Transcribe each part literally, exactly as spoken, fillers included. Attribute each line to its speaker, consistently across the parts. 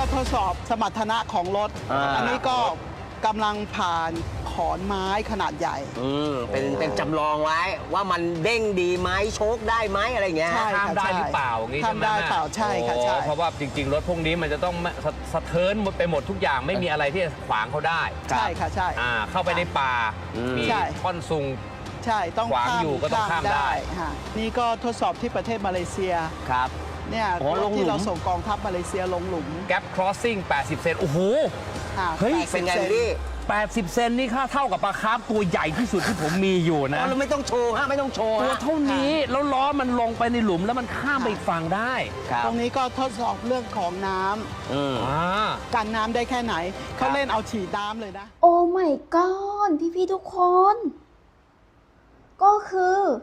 Speaker 1: ทดสอบสมรรถนะของรถ
Speaker 2: อ่า
Speaker 1: อันนี้ก็กำลังผ่านขอนไม้ขนาดใหญ่
Speaker 2: อืมเป็นเป็นจำลองไว้ว่ามันเด้งดีไหมโชคได้ไหมอะไรเงี้ย
Speaker 1: ใช่
Speaker 3: ข้ามได้หรือเปล่าอย่างงี้ใช่ไหม
Speaker 1: ทำได้เปล่าใช่ค่ะใช่
Speaker 3: โอ้เพราะว่าจริงๆ รถพวกนี้มันจะต้องสะสะเทินหมดไปหมดทุกอย่างไม่มีอะไรที่จะขวางเขาได้
Speaker 1: ใช่ค่ะใช่
Speaker 3: อ่าเข้าไปในป่า
Speaker 2: อืม
Speaker 3: มี
Speaker 1: ใช่
Speaker 3: ท่อนซุง
Speaker 1: ใช่ต้อง
Speaker 3: ขวางอยู่ก็ต้องข้ามได้
Speaker 1: ค่ะนี่ก็ทดสอบที่ประเทศมาเลเซีย
Speaker 2: ครับ
Speaker 1: เนี่ย
Speaker 2: อ๋อลงหลุม
Speaker 1: ที่เราส่งกองทัพมาเลเซียลงหลุม
Speaker 3: แก p crossing แปดสิบ เซนโอ้โห
Speaker 1: ค่ะ
Speaker 3: เฮ้ย
Speaker 1: แปดสิบ
Speaker 2: เป็นไง
Speaker 1: ซ
Speaker 2: พี่
Speaker 3: แปดสิบ เซนนี่ค่าเท่ากับปลาคาร์ฟตัวใหญ่ที่สุดที่ผมมีอยู่
Speaker 2: อ๋
Speaker 3: นะ
Speaker 2: อเราไม่ต้องโชว์ฮะไม่ต้องโชว์
Speaker 3: ตัว
Speaker 2: ฮะ
Speaker 3: เท่านี้แล้วล้อมันลงไปในหลุมแล้วมันข้ามไปอีกฝั่งได้
Speaker 2: ครับ
Speaker 1: ตรงนี้ก็ทดสอบเรื่องของน้ำ
Speaker 2: อืม
Speaker 3: อ่า
Speaker 1: กันน้ำได้แค่ไหน เขาเล่นเอาฉีดน้ำเลยนะ
Speaker 4: โอ้ my god พี่พี่ๆทุกคน ก็คือ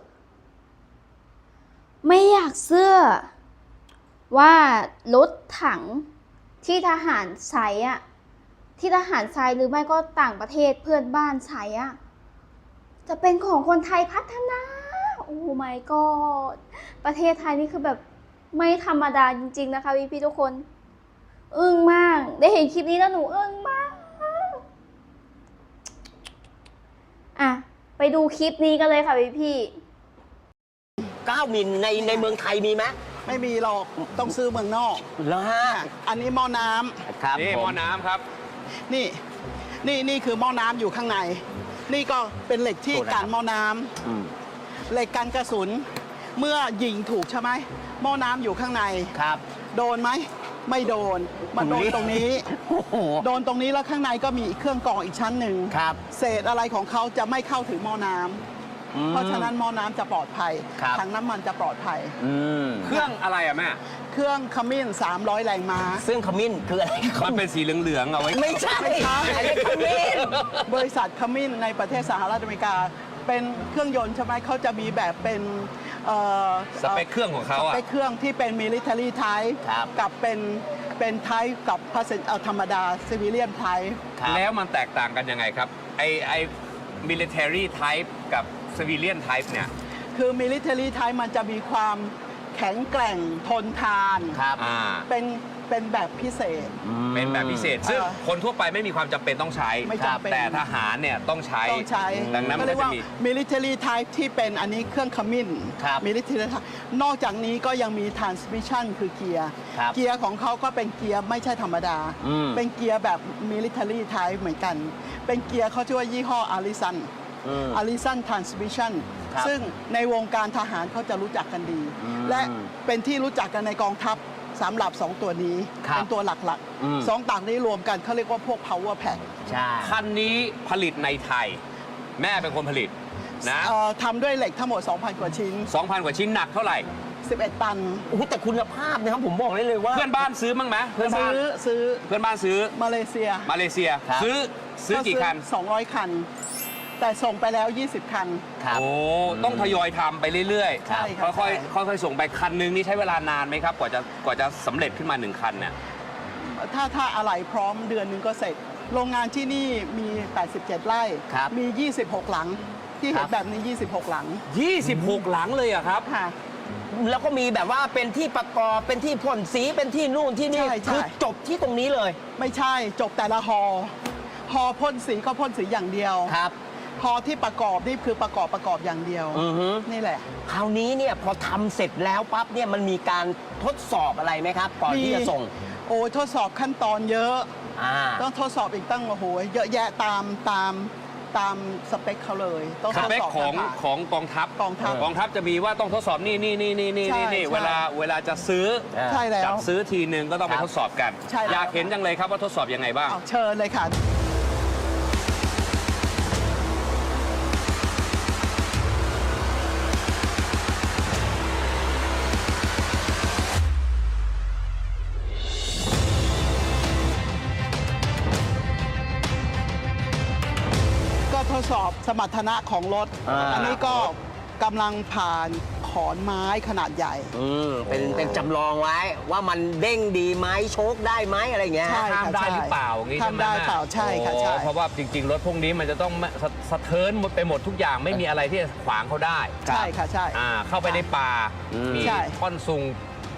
Speaker 4: ไม่อยากเชื่อว่ารถถังที่ทหารใช้อะที่ทหารใช้หรือไม่ก็ต่างประเทศเพื่อนบ้านใช้อะจะเป็นของคนไทยพัฒนา โอ้ my god ประเทศไทยนี่คือแบบไม่ธรรมดาจริงๆนะคะพี่พี่ๆทุกคน อึ้งมาก ได้เห็นคลิปนี้แล้วหนูอึ้งมาก อ่ะ ไปดูคลิปนี้กันเลยค่ะพี่พี่
Speaker 2: เก้ามิลในในเมืองไทยมีไหม
Speaker 1: ไม่มีหรอกต้องซื้อเมืองนอก
Speaker 2: แล้วฮะ
Speaker 1: อันนี้หม้อน้ำ
Speaker 2: ครับ
Speaker 3: นี่
Speaker 2: ผ
Speaker 3: หม้อน้ำครับ
Speaker 1: นี่นี่นี่คือหม้อน้ำอยู่ข้างใน นี่ก็เป็นเหล็กที่กันหม้อน้ำ
Speaker 2: อืม
Speaker 1: เหล็กกันกระสุน เมื่อยิงถูกใช่ไหมหม้อน้ำอยู่ข้างใน
Speaker 2: ครับ
Speaker 1: โดนไหมไม่โดนมันโดนตรงนี้
Speaker 2: โอ้โห
Speaker 1: โดนตรงนี้แล้วข้างในก็มีเครื่องกรองอีกชั้นหนึ่ง
Speaker 2: ครับ
Speaker 1: เศษอะไรของเขาจะไม่เข้าถึงหม้อน้ำ
Speaker 2: อืม
Speaker 1: เพราะฉะนั้นหม้อน้ำจะปลอดภัย
Speaker 2: ครับ
Speaker 1: ถังน้ำมันจะปลอดภัย
Speaker 2: อืม
Speaker 3: เครื่องอะไรอะแม่
Speaker 1: เครื่องขมิ้น สามร้อย แรงม้า
Speaker 2: ซึ่งขมิ้นคืออะไร
Speaker 3: มันเป็นสีเหลืองๆเอาไว้
Speaker 2: ไม่ใช่
Speaker 1: ไม่ใช่
Speaker 2: อันนี้ขมิ้น
Speaker 1: บริษัทขมิ้นในประเทศสหรัฐอเมริกา เป็นเครื่องยนต์ใช่ไหมเขาจะมีแบบเป็นเอ่อ
Speaker 3: สเปคเครื่องของเขา
Speaker 1: ส
Speaker 3: อะ
Speaker 1: เปคเครื่องที่เป็น military type
Speaker 2: ครับ
Speaker 1: กับเป็นเป็น type กับ passenger เอ่อธรรมดา civilian type
Speaker 2: ครับ
Speaker 3: แล้วมันแตกต่างกันยังไงครับ ไอไอ military type กับ civilian type เนี่ย
Speaker 1: คือ military type มันจะมีความแข็งแกร่งทนทาน
Speaker 2: ครับ
Speaker 3: อ่า
Speaker 1: เป็นเป็นแบบพิเศษ
Speaker 3: เป็นแบบพิเศษ ซึ่ง
Speaker 1: เออ
Speaker 3: คนทั่วไปไม่มีความจำเป็นต้องใช้
Speaker 1: ไม่จำเป็น
Speaker 3: แต่ทหารเนี่ยต้องใช้
Speaker 1: ต้องใช้
Speaker 3: ดังนั้นมั
Speaker 1: ก็
Speaker 3: น
Speaker 1: เรี
Speaker 3: ก็
Speaker 1: ยก
Speaker 3: จะ
Speaker 1: ว่า
Speaker 3: มี
Speaker 1: military type ที่เป็นอันนี้เครื่องขมิ้น
Speaker 2: ครับ
Speaker 1: military type นอกจากนี้ก็ยังมี transmission คือเกียร์
Speaker 2: ครับ
Speaker 1: เกียร์ของเขาก็เป็นเกียร์ไม่ใช่ธรรมดา
Speaker 2: อืม
Speaker 1: เป็นเกียร์แบบ military type เหมือนกัน เป็นเกียร์เขาชื่อว่ายี่ห้อ Allison
Speaker 2: อืม
Speaker 1: Allison Transmission
Speaker 2: ครับ
Speaker 1: ซึ่งในวงการทหารเขาจะรู้จักกันดี
Speaker 2: อืม
Speaker 1: และเป็นที่รู้จักกันในกองทัพสำหรับสองตัวนี้
Speaker 2: ครับ
Speaker 1: เป็นตัวหลัก
Speaker 2: อืม
Speaker 1: ๆสองต่างนี้รวมกันเขาเรียกว่าพวก power pack
Speaker 2: ใช่
Speaker 3: คันนี้ผลิตในไทย แม่เป็นคนผลิตนะ
Speaker 1: เอ่อทำด้วยเหล็กทั้งหมด สองพัน กว่าชิ้น
Speaker 3: สองพัน กว่าชิ้นหนักเท่าไหร่
Speaker 1: สิบเอ็ด ตัน
Speaker 2: โอ้โหแต่คุณภาพนะครับผมบอกได้เลยว่า
Speaker 3: เพื่อนบ้านซื้อมั้งไหมเพื่อนบ้า
Speaker 1: ซื้
Speaker 3: น
Speaker 1: อซื้อ
Speaker 3: เพื่อนบ้านซื้อ
Speaker 1: มาเลเซีย
Speaker 3: มาเลเซีย
Speaker 2: ครับ
Speaker 3: ซื้อซื้อกี่คัน
Speaker 1: สองร้อย คัน แต่ส่งไปแล้ว ยี่สิบ คัน
Speaker 2: ครับ
Speaker 3: โอ้ ต้องทยอยทำไปเรื่อย
Speaker 1: ใช่ครับ
Speaker 3: ค่อย
Speaker 1: ใช่
Speaker 3: ๆค่อยๆส่งไปคันนึงนี่ใช้เวลานานไหมครับ กว่าจะกว่าจะสำเร็จขึ้นมาหนึ่งคันเนี่ย
Speaker 1: ถ้าถ้าอะไหล่พร้อมเดือนหนึงก็เสร็จ โรงงานที่นี่มี แปดสิบเจ็ด ไร่
Speaker 2: ครับ
Speaker 1: มี ยี่สิบหก หลัง ที่
Speaker 2: ค
Speaker 1: เห็
Speaker 2: รั
Speaker 1: น
Speaker 2: บ
Speaker 1: แบบนี้ ยี่สิบหก หลัง
Speaker 3: ยี่สิบหก หลังเลยอะครับ
Speaker 1: ค่ะ
Speaker 2: แล้วก็มีแบบว่าเป็นที่ประกอบเป็นที่พ่นสีเป็นที่นู่นที่นี่
Speaker 1: ใช่ใช่
Speaker 2: คือจบที่ตรงนี้เลย
Speaker 1: ไม่ใช่จบแต่ละฮอฮอพ่นสีก็พ่นสีอย่างเดียว
Speaker 2: ครับ
Speaker 1: ฮอที่ประกอบนี่คือประกอบประกอบอย่างเดียว
Speaker 2: อือฮึ
Speaker 1: นี่แหละ
Speaker 2: คราวนี้เนี่ยพอทำเสร็จแล้วปั๊บเนี่ยมันมีการทดสอบอะไรไหมครับ ก่อนที่จะส่ง
Speaker 1: โอ้ทดสอบขั้นตอนเยอะ
Speaker 2: อ่า
Speaker 1: ต้องทดสอบอีกตั้งโอ้โหเยอะแยะตามตามตามสเปคเขาเลย ต้อง
Speaker 3: ส
Speaker 1: ทด
Speaker 3: เปค
Speaker 1: สอบ
Speaker 3: ของ
Speaker 1: ผ่าน
Speaker 3: ของกองทัพ
Speaker 1: กองทัพ
Speaker 3: กองทัพจะมีว่าต้องทดสอบนี่นี่นี่นี่นี่
Speaker 1: ใช่
Speaker 3: นี่
Speaker 1: ใช่
Speaker 3: เวลาเวลาจะซื้อ
Speaker 1: ใช่แล้ว
Speaker 3: จับซื้อทีนึงก็ต้องไป
Speaker 2: ครับ
Speaker 3: ทดสอบกัน
Speaker 1: ใช่แล้ว
Speaker 3: อยากเห็นจังเลยครับว่าทดสอบยังไงบ้าง
Speaker 1: เอาเชิญเลยค่ะ ก็ทดสอบสมรรถนะของรถ
Speaker 2: อ่า
Speaker 1: อันนี้ก็กำลังผ่านขอนไม้ขนาดใหญ่
Speaker 2: อืมเป็นเป็นจำลองไว้ว่ามันเด้งดีไหมโชคได้ไหมอะไรเงี้ย
Speaker 1: ใช่
Speaker 3: ข้ามได้หรือเปล่าอย่างงี้ใช่ไหม
Speaker 1: ทำได้เปล่าใช่ค่ะใช่
Speaker 3: โอ้เพราะว่าจริงๆ รถพวกนี้มันจะต้องสะสะเทินหมดไปหมดทุกอย่างไม่มีอะไรที่จะขวางเขาได้
Speaker 1: ใช่ค่ะใช่
Speaker 3: อ่าเข้าไปในป่า
Speaker 2: อืม
Speaker 3: มี
Speaker 1: ใช่
Speaker 3: ท่อนซุง
Speaker 1: ใ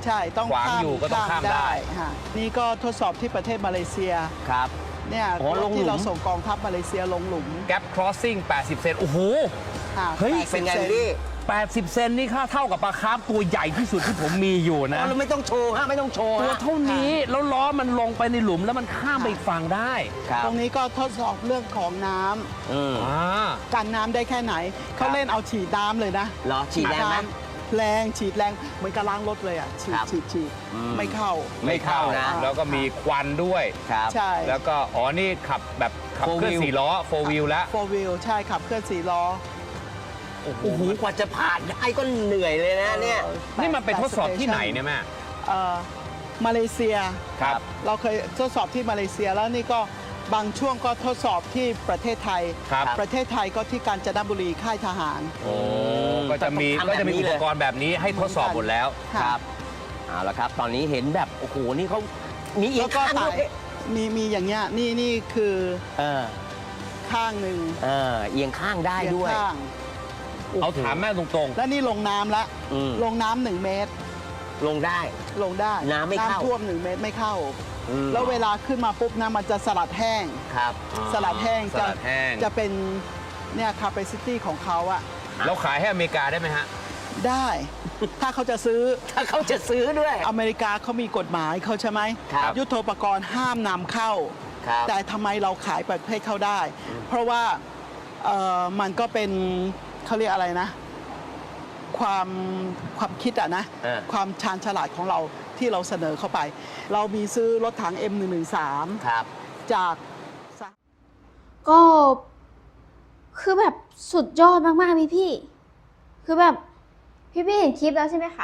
Speaker 1: ใช่ต้อง
Speaker 3: ขวาง
Speaker 1: ข้าม
Speaker 3: อยู่ก็ต้องข้ามได้
Speaker 1: ฮะนี่ก็ทดสอบที่ประเทศมาเลเซีย
Speaker 2: ครับ
Speaker 1: เนี่ย
Speaker 2: อ๋อลงหลุม
Speaker 1: ที่เราส่งกองทัพมาเลเซียลงหลุม
Speaker 3: Gap Crossing แปดสิบ เซนโอ้โห
Speaker 1: ค่ะ
Speaker 3: เฮ้ย
Speaker 1: แปดสิบ
Speaker 2: เป็นไง
Speaker 1: ซ
Speaker 2: พี่
Speaker 3: แปดสิบ เซนนี่ค่าเท่ากับปลาคาร์ฟตัวใหญ่ที่สุดที่ผมมีอยู่
Speaker 2: อ๋
Speaker 3: นะ
Speaker 2: อเราไม่ต้องโชว์ฮะไม่ต้องโชว์
Speaker 3: ตัว
Speaker 2: ฮะ
Speaker 3: เท่านี้แล้วล้อมันลงไปในหลุมแล้วมันข้ามไปอีกฝั่งได้
Speaker 2: ครับ
Speaker 1: ตรงนี้ก็ทดสอบเรื่องของน้ำ
Speaker 2: อืม
Speaker 3: อ่า
Speaker 1: กันน้ำได้แค่ไหน เขาเล่นเอาฉีดน้ำเลยนะ
Speaker 2: เหรอฉีดแรงไหม
Speaker 1: น้ำแรงฉีดแรงเหมือนกับล้างรถเลยอ่ะฉีด
Speaker 2: ครับ
Speaker 1: ฉีดฉีด
Speaker 2: อืม
Speaker 1: ไม่เข้า
Speaker 3: ไม่เข้า
Speaker 2: ไม่เข้านะ
Speaker 3: แล้วก็มีควันด้วย
Speaker 2: ครับ
Speaker 1: ใช่
Speaker 3: แล้วก็อ๋อนี่ขับแบบขับ
Speaker 2: Four
Speaker 3: เคลื่อน
Speaker 2: wheel
Speaker 3: สี่ล้อโฟวิลแล้ว
Speaker 1: โฟวิลใช่ขับเคลื่อนสี่ล้อ
Speaker 2: โอ้โหกว่าจะผ่านได้ก็เหนื่อยเลยนะเนี่ย
Speaker 3: นี่มันไปทดสอบที่ไหนเนี่ยแม่
Speaker 1: เอ่อมาเลเซีย
Speaker 3: ครับ
Speaker 1: เราเคยทดสอบที่มาเลเซียแล้วนี่ก็บางช่วงก็ทดสอบที่ประเทศไทย
Speaker 3: ครับ
Speaker 1: ประเทศไทยก็ที่กาญจนบุรีค่ายทหาร
Speaker 3: โอ้ก็จะมี
Speaker 2: ต้องทำ
Speaker 3: ก็จะมี
Speaker 2: แบบนี้
Speaker 3: อุ
Speaker 2: เล
Speaker 3: ป
Speaker 2: ย
Speaker 3: กรณ์แบบนี้ให้ทดสอบหมดแล้ว
Speaker 1: ค่ะ
Speaker 2: ครับเอาละครับ ตอนนี้เห็นแบบโอ้โหนี่เขามีเอีย
Speaker 1: แล้
Speaker 2: ง
Speaker 1: วก็
Speaker 2: ข้าง
Speaker 1: ถ่า
Speaker 2: ด้วย ย
Speaker 1: มีมีอย่างเงี้ยนี่นี่คือ
Speaker 2: เออ
Speaker 1: ข้างหนึ่ง
Speaker 2: เออเอียงข้างได้
Speaker 1: เอียง
Speaker 2: ด้วย
Speaker 1: ข้าง
Speaker 3: เอาถามแม่ตรง
Speaker 1: และนี่ลงน้ำละ
Speaker 2: อืม
Speaker 1: ลงน้ำหนึ่งเมตร
Speaker 2: ลงได้
Speaker 1: ลงได้
Speaker 2: น้ำไม่เข้า
Speaker 1: ท่วมหนึ่งเมตรไม่เข้า
Speaker 2: อืม
Speaker 1: แล้วเวลาขึ้นมาปุ๊บนะมันจะสลัดแห้ง
Speaker 2: ครับ
Speaker 3: ๆ
Speaker 1: สลัดแห้ง
Speaker 3: ส
Speaker 1: จะ
Speaker 3: ลัดแห้ง
Speaker 1: จะเป็นเนี่ย capacity ของเขาอะ
Speaker 3: แล้วขายให้อเมริกาได้ไหมฮะ
Speaker 1: ได้ ถ้าเขาจะซื้อ
Speaker 2: ถ้าเขาจะซื้อด้วย
Speaker 1: อเมริกาเขามีกฎหมายเขาใช่ไหม
Speaker 2: ครับ
Speaker 1: ยุทโธปกรณ์ห้ามนำเข้า
Speaker 2: ครับ
Speaker 1: แต่ทำไมเราขายประเทศเขาได้ เพราะว่าเอ่อมันก็เป็นเขาเรียกอะไรนะ ความความคิดอะนะ
Speaker 2: เออ
Speaker 1: ความชาญฉลาดของเราที่เราเสนอเข้าไป เรามีซื้อรถถัง เอ็ม หนึ่ง หนึ่ง สาม
Speaker 2: ครับ
Speaker 1: จาก
Speaker 4: ก็คือแบบสุดยอดมากๆพี่พี่ๆคือแบบพี่พี่ๆเห็นคลิปแล้วใช่ไหมคะ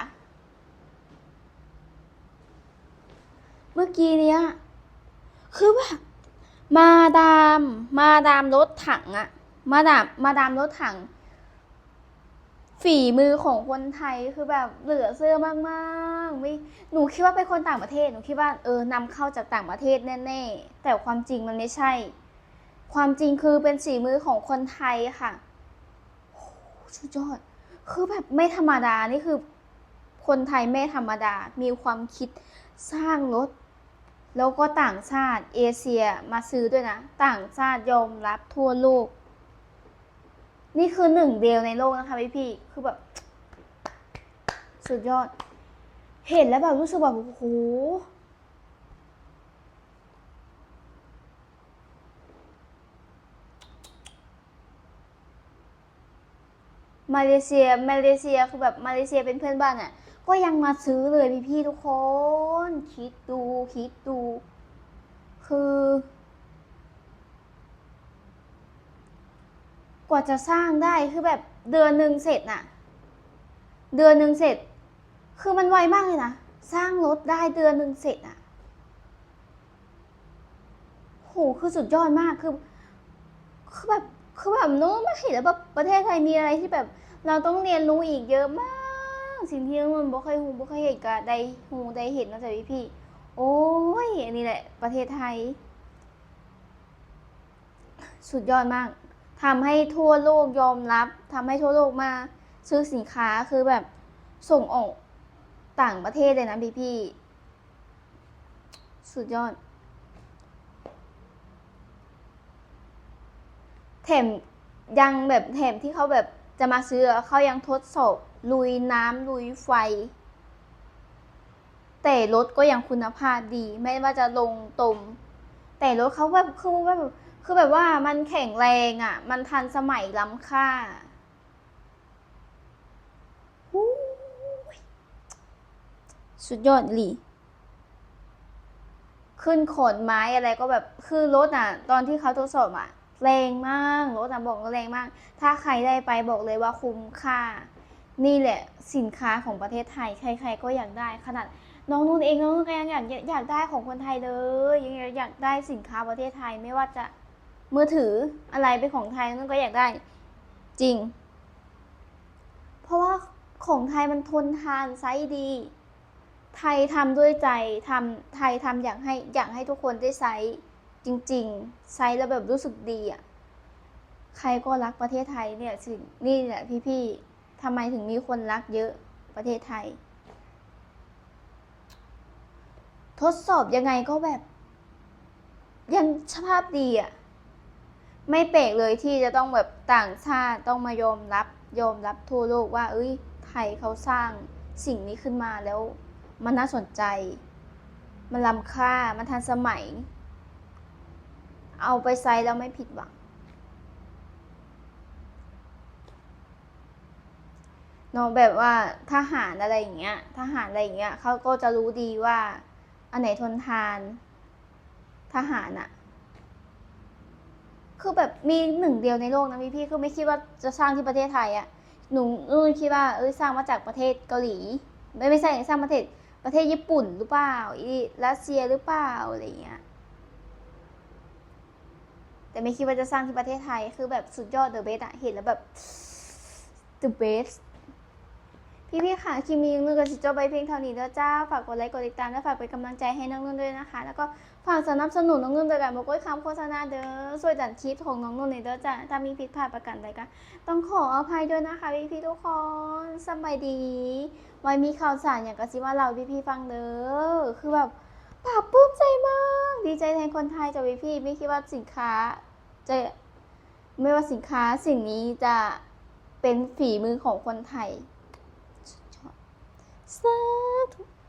Speaker 4: เมื่อกี้เนี้ยคือแบบมาดามมาดามรถถังอะมาดามมาดามรถถัง ฝีมือของคนไทยคือแบบเหลือเชื่อมากๆไม่หนูคิดว่าเป็นคนต่างประเทศหนูคิดว่าเออนำเข้าจากต่างประเทศแน่ๆแต่ความจริงมันไม่ใช่ ความจริงคือเป็นฝีมือของคนไทยค่ะโอ้โหสุดยอดคือแบบไม่ธรรมดานี่คือคนไทยไม่ธรรมดามีความคิดสร้างรถแล้วก็ต่างชาติเอเชียมาซื้อด้วยนะต่างชาติยอมรับทั่วโลกนี่คือหนึ่งเดียวในโลกนะคะพี่พี่ๆคือแบบ สุดยอด เห็นแล้วแบบรู้สึกแบบโอ้โหมาเลเซียมาเลเซียคือแบบมาเลเซียเป็นเพื่อนบ้านอ่ะก็ยังมาซื้อเลยพี่พี่ๆทุกคนคิดดูคิดดู คือ กว่าจะสร้างได้คือแบบเดือนหนึ่งเสร็จน่ะ เดือนหนึ่งเสร็จ คือมันไวมากเลยนะสร้างรถได้เดือนหนึ่งเสร็จอ่ะโหคือสุดยอดมากคือคือแบบคือแบบนู้นไม่เห็นแล้วแบบประเทศไทยมีอะไรที่แบบ เราต้องเรียนรู้อีกเยอะมาก สิ่งที่มันบ่เคยหูบ่เคยเห็นก็ได้หูได้เห็นนะจ๊ะพี่พี่ๆโอ้ยอันนี้แหละประเทศไทย สุดยอดมากทำให้ทั่วโลกยอมรับทำให้ทั่วโลกมาซื้อสินค้าคือแบบส่งออกต่างประเทศเลยนะพี่พี่สุดยอดแถมยังแบบแถมที่เขาแบบจะมาซื้อเขายังทดสอบลุยน้ำลุยไฟ แต่รถก็ยังคุณภาพดีไม่ว่าจะลงตมแต่รถเขาแบบคือแบบคือแบบว่ามันแข็งแรงอ่ะมันทันสมัยล้ำค่าหูยสุดยอดอีหลีขึ้นขนไม้อะไรก็แบบคือรถอ่ะตอนที่เขาทดสอบอ่ะแรงมากรถอ่ะบอกว่าแรงมากถ้าใครได้ไปบอกเลยว่าคุ้มค่านี่แหละสินค้าของประเทศไทยใครๆก็อยากได้ขนาดน้องนุ่นเองน้องนุ่นก็ยังอยากอยากได้ของคนไทยเลยยังอยากได้สินค้าประเทศไทยไม่ว่าจะมือถืออะไรเป็นของไทยนั่นก็อยากได้จริงเพราะว่าของไทยมันทนทานไซส์ดีไทยทำด้วยใจทำไทยทำอยากให้อยากให้ทุกคนได้ไซส์จริงๆไซส์แล้วแบบรู้สึกดีอ่ะใครก็รักประเทศไทยเนี่ยสินี่แหละพี่ๆทำไมถึงมีคนรักเยอะประเทศไทยทดสอบยังไงก็แบบ ยังสภาพดีอะไม่แปลกเลยที่จะต้องแบบต่างชาติต้องมายอมรับยอมรับทั่วโลกว่า เอ้ย ไทยเขาสร้างสิ่งนี้ขึ้นมาแล้ว มันน่าสนใจ มันล้ำค่ามันทันสมัย เอาไปใช้แล้วไม่ผิดหวังเนาะแบบว่าทหารอะไรอย่างเงี้ยทหารอะไรอย่างเงี้ยเขาก็จะรู้ดีว่า อันไหนทนทาน ทหารอะคือแบบมีหนึ่งเดียวในโลกนะพี่พี่คือไม่คิดว่าจะสร้างที่ประเทศไทยอะหนูหนูคิดว่าเอ้ยสร้างมาจากประเทศเกาหลี ไม่ไม่ใช่สร้างประเทศประเทศญี่ปุ่นหรือเปล่าอีรัสเซียหรือเปล่าอะไรอย่างเงี้ยแต่ไม่คิดว่าจะสร้างที่ประเทศไทยคือแบบสุดยอด the best อะเห็นแล้วแบบ the best พี่พี่ค่ะคลิปนี้ยังนึกกับสิจบไปเพียงเท่านี้แล้วจ้าฝากกดไลค์กดติดตามและฝากเป็นกำลังใจให้น้องนุ่นด้วยนะคะแล้วก็ฝากสนับสนุนน้องนุ่นโดยการบอกว่าคำโฆษณาเด้อช่วยดันคลิปของน้องนุ่นในเด้อจ้าถ้ามีผิดพลาดประการใดก็ต้องขออภัยด้วยนะคะพี่พี่ทุกคนสบายดีไว้มีข่าวสารอย่างกระซิบว่าเราพี่พี่ฟังเด้อคือแบบปลาบปลื้มใจมากดีใจแทนคนไทยจ้ะพี่พี่ไม่คิดว่าสินค้าจะไม่ว่าสินค้าสิ่งนี้จะเป็นฝีมือของคนไทยสาธุ